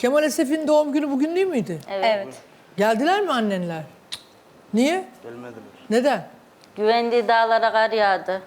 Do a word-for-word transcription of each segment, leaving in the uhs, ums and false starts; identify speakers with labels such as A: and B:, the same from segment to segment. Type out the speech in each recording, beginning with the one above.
A: Kemal Esef'in doğum günü bugün değil miydi?
B: Evet.
C: Evet.
A: Geldiler mi annenler? Niye?
D: Gelmediler.
A: Neden?
B: Güvendiği dağlara kar yağdı.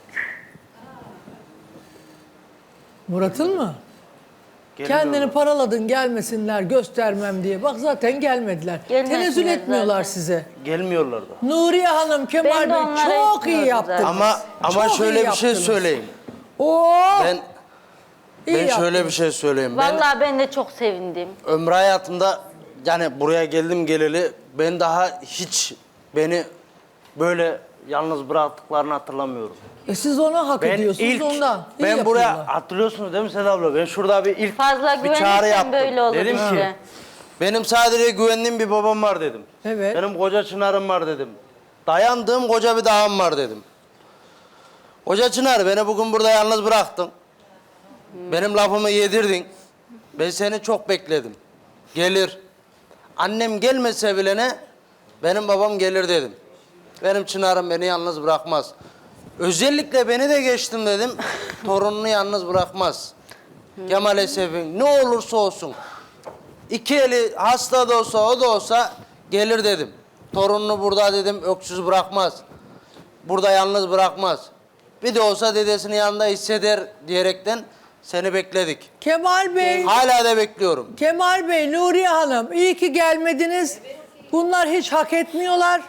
A: Murat'ın mı?
D: Gelmiyorlar.
A: Kendini paraladın gelmesinler göstermem diye. Bak zaten gelmediler.
B: Gelmesinler
A: Tenezzül etmiyorlar
B: zaten.
A: size.
D: Gelmiyorlar da.
A: Nuriye Hanım, Kemal
B: Ben de
A: Bey
B: onlara
A: çok iyi
B: etmiyordum
A: yaptınız.
B: zaten.
D: Ama ama
A: Çok
D: şöyle
A: iyi
D: bir şey
A: yaptınız.
D: söyleyeyim.
A: Oo,
D: Ben
A: iyi
D: ben şöyle
A: yaptınız.
D: bir şey söyleyeyim. Ben
B: Vallahi ben de çok sevindim.
D: ömrü hayatımda yani buraya geldim geleli ben daha hiç beni böyle yalnız bıraktıklarını hatırlamıyorum.
A: E siz ona hak
D: Ben
A: ediyorsunuz
D: ilk
A: ondan. İyi
D: ben
A: yapıyorlar.
D: buraya hatırlıyorsunuz değil mi Seda abla? Ben şurada bir ilk
B: Fazla
D: bir çağrı
B: güvenirsen
D: yaptım.
B: böyle olur
D: Dedim
B: işte.
D: ki benim sadece güvendiğim bir babam var dedim.
A: Evet.
D: Benim koca Çınar'ım var dedim. Dayandığım koca bir dağım var dedim. Koca Çınar beni bugün burada yalnız bıraktın. Benim lafımı yedirdin. Ben seni çok bekledim. Gelir. Annem gelmese bile ne? Benim babam gelir dedim. Benim Çınar'ım beni yalnız bırakmaz. Özellikle beni de geçtim dedim. Torununu yalnız bırakmaz. Kemal Esef'in ne olursa olsun. İki eli hasta da olsa o da olsa gelir dedim. Torununu burada dedim öksüz bırakmaz. Burada yalnız bırakmaz. Bir de olsa dedesinin yanında hisseder diyerekten seni bekledik.
A: Kemal Bey,
D: Hala da bekliyorum.
A: Kemal Bey, Nuriye Hanım iyi ki gelmediniz. Bunlar hiç hak etmiyorlar.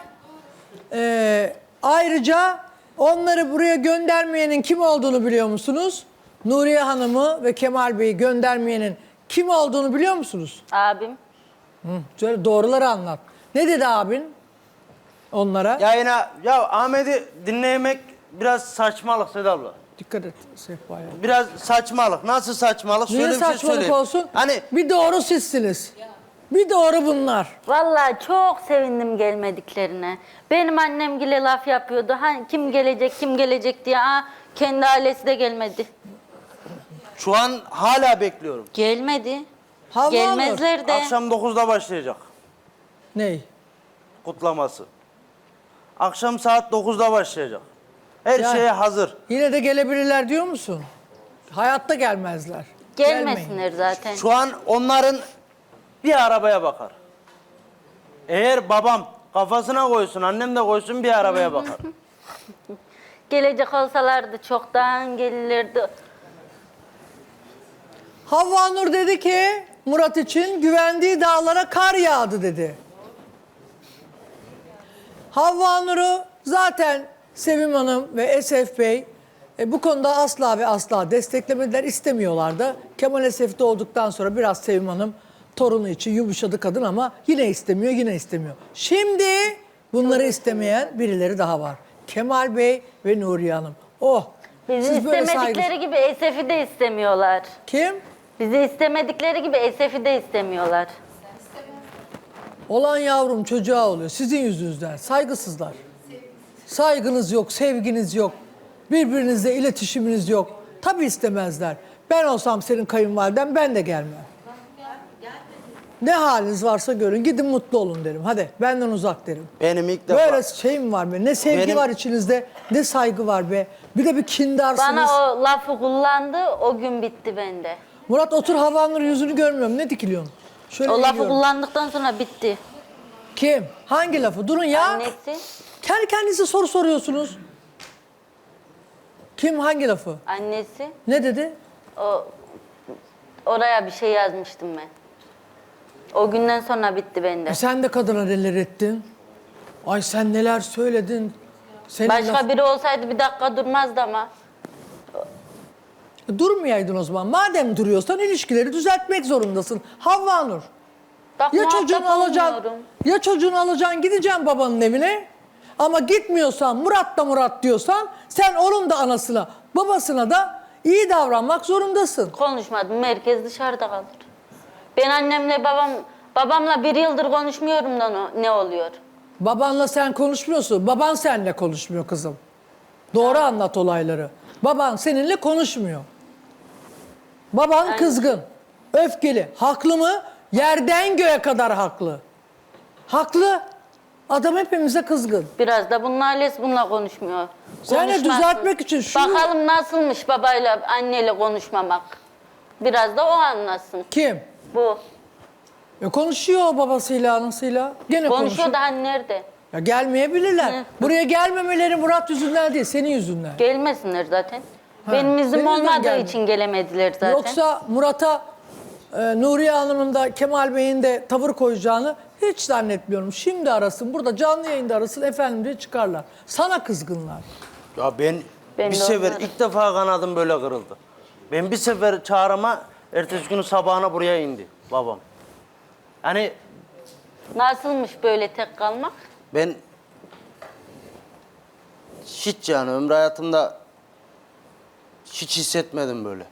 A: Ee, ayrıca onları buraya göndermeyenin kim olduğunu biliyor musunuz? Nuriye Hanım'ı ve Kemal Bey'i göndermeyenin kim olduğunu biliyor musunuz?
B: Abim.
A: Hı, söyle doğruları anlat. Ne dedi abin onlara?
D: Yayına ya Ahmet'i dinlemek biraz saçmalık Seda abla.
A: Dikkat et Sehpa'ya.
D: Biraz saçmalık. Nasıl saçmalık?
A: Niye
D: Şöyle bir şey
A: saçmalık
D: söyleyeyim.
A: olsun?
D: Hani
A: Bir doğru sizsiniz. Bir doğru bunlar.
B: Vallahi çok sevindim gelmediklerine. Benim annem gile laf yapıyordu. Hani kim gelecek, kim gelecek diye. Aa, kendi ailesi de gelmedi.
D: şu an hala bekliyorum.
B: Gelmedi.
A: Havva
B: Gelmezler de.
D: Akşam dokuzda başlayacak
A: Ney?
D: kutlaması. Akşam saat dokuzda başlayacak. Her
A: Ya-
D: şeye hazır.
A: Yine de gelebilirler diyor musun? Hayatta gelmezler.
B: Gelmesinler
A: Gelmeyin.
B: zaten.
D: Şu an onların bir arabaya bakar. Eğer babam kafasına koysun, annem de koysun bir arabaya bakar.
B: Gelecek olsalardı çoktan gelirlerdi.
A: Havva Nur dedi ki Murat için güvendiği dağlara kar yağdı dedi. Havva Nur'u zaten Sevim Hanım ve Esef Bey e, bu konuda asla ve asla desteklemediler, istemiyorlar da. Kemal Esef doğduktan sonra biraz Sevim Hanım torunu için yumuşadı kadın ama yine istemiyor, yine istemiyor. Şimdi bunları istemeyen birileri daha var. Kemal Bey ve Nuriye Hanım. Oh!
B: Bizi
A: siz böyle
B: istemedikleri
A: saygı-
B: gibi Esef'i de istemiyorlar.
A: Kim?
B: Bizi istemedikleri gibi Esef'i de istemiyorlar.
A: Olan yavrum çocuğa oluyor. Sizin yüzünüzden. Saygısızlar. Saygınız yok, sevginiz yok. Birbirinizle iletişiminiz yok. Tabii istemezler. Ben olsam senin kayınvaliden ben de gelmem. Ne haliniz varsa görün. Gidin mutlu olun derim. Hadi benden uzak derim.
D: Benim ilk defa...
A: Böyle şey mi var be? Ne sevgi
D: Benim-
A: var içinizde, ne saygı var be. Bir de bir kindarsınız.
B: Bana o lafı kullandı, o gün bitti bende.
A: Murat otur Havanur yüzünü görmüyorum. Ne dikiliyorsun? Şöyle
B: O lafı
A: eğiliyorum.
B: kullandıktan sonra bitti.
A: Kim? Hangi lafı? Durun ya.
B: Annesi,
A: Kendi kendinize soru soruyorsunuz. Kim hangi lafı?
B: annesi.
A: Ne dedi?
B: O oraya bir şey yazmıştım ben. O günden sonra bitti bende.
A: E sen de kadına neler ettin? Ay sen neler söyledin? Senin
B: Başka
A: laf-
B: biri olsaydı bir dakika durmazdı ama.
A: Durmayaydın o zaman. Madem duruyorsan ilişkileri düzeltmek zorundasın. Havva Nur.
B: Bak,
A: Ya
B: muhatap
A: çocuğunu alacaksın,
B: olmuyorum.
A: ya çocuğunu alacaksın gideceksin babanın evine. Ama gitmiyorsan Murat da Murat diyorsan sen onun da anasına babasına da iyi davranmak zorundasın.
B: Konuşmadım. Merkez dışarıda kalır. Ben annemle babam babamla bir yıldır konuşmuyorum da no- ne oluyor?
A: Babanla sen konuşmuyorsun. Baban seninle konuşmuyor kızım. Doğru anlat olayları. Baban seninle konuşmuyor. Baban kızgın, öfkeli. Haklı mı? Yerden göğe kadar haklı. Haklı. Adam hepimize kızgın.
B: Biraz da bunun ailesi bununla konuşmuyor.
A: Sen de
B: Konuşmasın.
A: düzeltmek için şunu-
B: Bakalım nasılmış babayla anneyle konuşmamak. Biraz da o anlasın.
A: Kim?
B: Bu.
A: E konuşuyor babasıyla, anasıyla. Gene konuşuyor.
B: Konuşuyor da hani nerede?
A: Ya gelmeyebilirler.
B: Hı.
A: Buraya gelmemeleri Murat yüzünden değil, senin yüzünden.
B: Gelmesinler zaten.
A: Ha,
B: Benim iznim
A: senin yüzünden
B: olmadığı
A: gelme.
B: için gelemediler zaten.
A: Yoksa Murat'a e, Nuriye Hanım'ın da Kemal Bey'in de tavır koyacağını hiç zannetmiyorum. Şimdi arasın, burada canlı yayında arasın, efendim diye çıkarlar. Sana kızgınlar.
D: Ya ben,
B: Ben
D: bir
B: de
D: sefer
B: onları-
D: ilk defa kanadım böyle kırıldı. Ben bir sefer çağrıma ertesi günü sabahına buraya indi babam. Hani
B: Nasılmış böyle tek kalmak?
D: ben hiç yani ömrü hayatımda hiç hissetmedim böyle.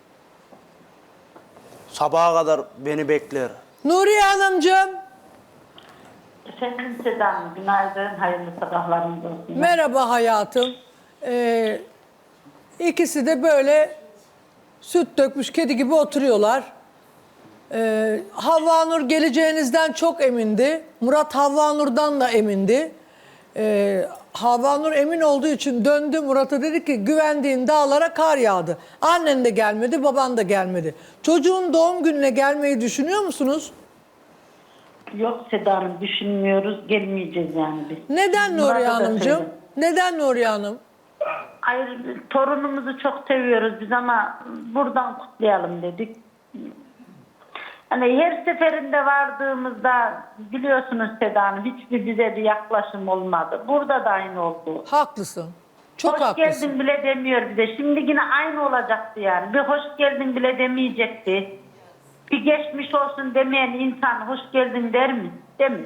D: Sabaha kadar beni bekler.
A: Nuriye Hanımcığım,
C: Efendim Seda Hanım, günaydın, hayırlı sabahlarınız olsun.
A: merhaba hayatım. Ee, ikisi de böyle süt dökmüş kedi gibi oturuyorlar. Ee, Havva Nur geleceğinizden çok emindi. Murat Havva Nur'dan da emindi. Ee, Havva Nur emin olduğu için döndü Murat'a, dedi ki güvendiğin dağlara kar yağdı. Annen de gelmedi, baban da gelmedi. Çocuğun doğum gününe gelmeyi düşünüyor musunuz?
C: Yok Seda Hanım, düşünmüyoruz, gelmeyeceğiz yani biz.
A: Neden Nuriye
C: Murat'a da
A: Hanımcığım?
C: söyledim.
A: Neden Nuriye Hanım?
C: Hayır, torunumuzu çok seviyoruz biz ama buradan kutlayalım dedik. Hani her seferinde vardığımızda biliyorsunuz Seda Hanım, hiçbir bize bir yaklaşım olmadı. Burada da aynı oldu.
A: Haklısın. Çok
C: hoş
A: haklısın.
C: geldin bile demiyor bize. Şimdi yine aynı olacaktı yani. Bir hoş geldin bile demeyecekti. Bir geçmiş olsun demeyen insan hoş geldin der mi? Demiyor.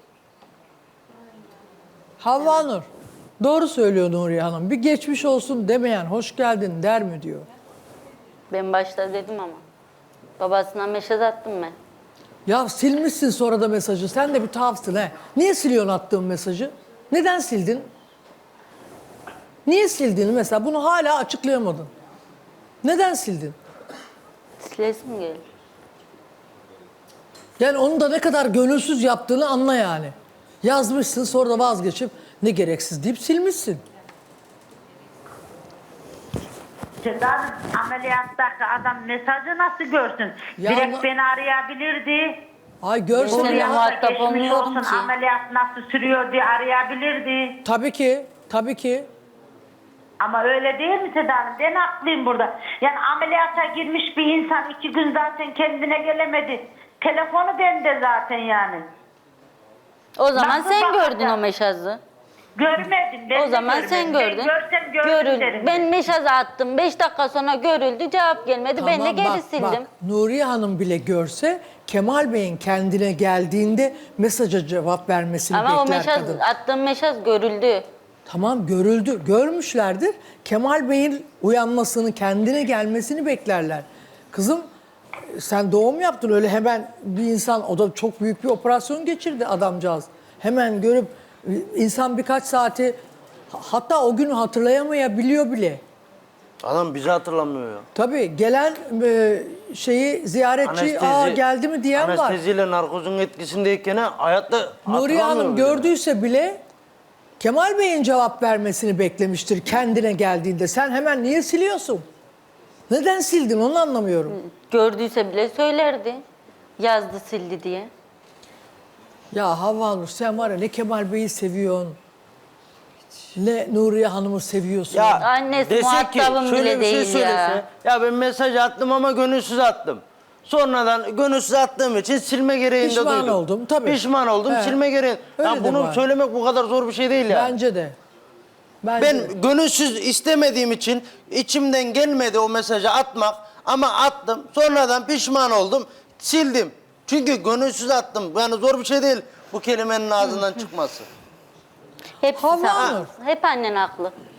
A: Havva Nur. Doğru söylüyor Nuriye Hanım. Bir geçmiş olsun demeyen hoş geldin der mi diyor.
B: Ben başta dedim ama. Babasına mesaj attım ben.
A: Ya silmişsin sonra da mesajı. Sen de bir tuhafsın he. Niye siliyorsun attığın mesajı? Neden sildin? Niye sildiğini mesela bunu hala açıklayamadın. Neden sildin?
B: Silesim geldi.
A: Yani onu da ne kadar gönülsüz yaptığını anla yani. Yazmışsın sonra da vazgeçip ne gereksiz deyip silmişsin.
C: Seda Hanım, ameliyattaki adam mesajı nasıl görsün?
A: Ya
C: Direkt
A: ama-
C: beni arayabilirdi.
A: Ay görsen
B: Seninle
C: Buraya
A: ya.
C: da
B: muhatap
C: geçmiş
B: olmuyorum
C: olsun,
B: ki.
C: ameliyat nasıl sürüyor diye arayabilirdi.
A: Tabii ki, tabii ki.
C: Ama öyle değil mi Seda Hanım? Ben haklıyım burada. Yani ameliyata girmiş bir insan iki gün zaten kendine gelemedi. Telefonu bende zaten yani.
B: O zaman
C: Nasıl
B: sen
C: bakacağım?
B: gördün o mesajı.
C: Görmedim. Ben
B: O
C: de
B: zaman
C: görmedim.
B: sen
C: Ben
B: gördün.
C: görsem gördüm
B: Görüldü.
C: derim.
B: Ben mesaj attım. Beş dakika sonra görüldü. Cevap gelmedi. ben de
A: Tamam,
B: geri
A: bak,
B: sildim.
A: Bak, Nuriye Hanım bile görse Kemal Bey'in kendine geldiğinde mesaja cevap vermesini
B: Ama o
A: bekler
B: mesaj,
A: kadın.
B: attığım mesaj görüldü.
A: Tamam görüldü, görmüşlerdir. Kemal Bey'in uyanmasını, kendine gelmesini beklerler. Kızım sen doğum yaptın öyle hemen bir insan, o da çok büyük bir operasyon geçirdi adamcağız. Hemen görüp insan birkaç saati hatta o günü hatırlayamayabiliyor bile.
D: Adam bizi hatırlamıyor ya.
A: Tabii gelen e, şeyi ziyaretçi aa geldi mi diyen var.
D: Anesteziyle narkozun etkisindeyken hayatta
A: Nuriye Hanım
D: hatırlamıyor bile.
A: gördüyse bile Kemal Bey'in cevap vermesini beklemiştir kendine geldiğinde. Sen hemen niye siliyorsun? Neden sildin onu anlamıyorum.
B: Gördüyse bile söylerdi. Yazdı sildi diye.
A: Ya Havva Nur sen var ya ne Kemal Bey'i seviyorsun, ne Nuriye Hanım'ı seviyorsun.
D: Ya
B: Annesi
D: dese ki,
B: muhatabım
D: şöyle
B: bile
D: bir şey
B: değil
D: söylese,
B: ya.
D: ya ben mesaj attım ama gönülsüz attım. Sonradan gönülsüz attığım için silme gereğinde
A: Pişman
D: duydum.
A: oldum, tabii.
D: Pişman oldum,
A: He.
D: silme gereği.
A: Öyle
D: Ya
A: de
D: bunu
A: var.
D: söylemek bu kadar zor bir şey değil ya.
A: Bence de. Bence de.
D: Ben gönülsüz istemediğim için içimden gelmedi o mesajı atmak ama attım. Sonradan pişman oldum, sildim. Çünkü gönülsüz attım. Yani zor bir şey değil bu kelimenin ağzından çıkması.
B: Hepsi
A: Havva
B: haklı.
A: Nur.
B: Hep annen haklı.